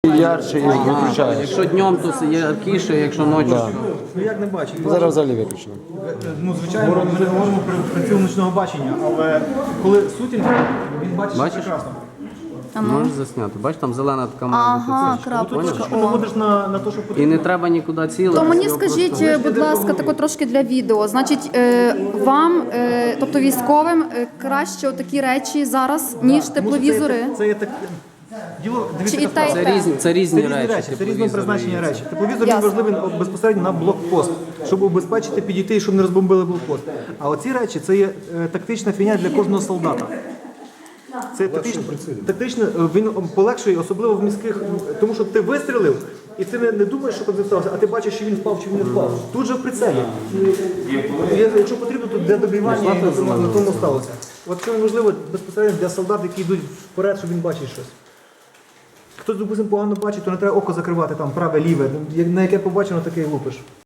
ярче і виключаєш. Якщо днем, то яркіше, якщо ночі, то... Ну як не бачить? Зараз взагалі виключено. Ну, звичайно, ми не говоримо про цілу нічного бачення, але коли сутінь, він бачить Бачиш? прекрасно. Можеш засняти. Бачиш, там зелена така має бути Ага, цифра. крапочка. Ти наводиш на те, що І потрібно. не треба нікуди цілити. То мені скажіть, будь ласка, тако трошки для відео. Значить, вам, тобто військовим, краще такі речі зараз, ніж тепловізори? Це є так. Діло, дивіться, Чи і яка справа. те, і те? Це різні Це речі. це різного тепловізори призначення і речі. Тепловізор він Ясно. важливий безпосередньо на блокпост, щоб убезпечити, підійти і щоб не розбомбили блокпост. А оці речі це є тактична фігня для кожного солдата. Це тактично, він полегшує, особливо в міських, тому що ти вистрілив, і ти не думаєш, що там стався, а ти бачиш, чи він впав, чи він не впав. Тут же в прицелі. Якщо потрібно, то для добивання на тому сталося. От це важливо безпосередньо для солдат, які йдуть вперед, щоб він бачив щось. Хтось, допустимо, погано бачить, то не треба око закривати, там праве, ліве. На яке побачено, таке і лупиш.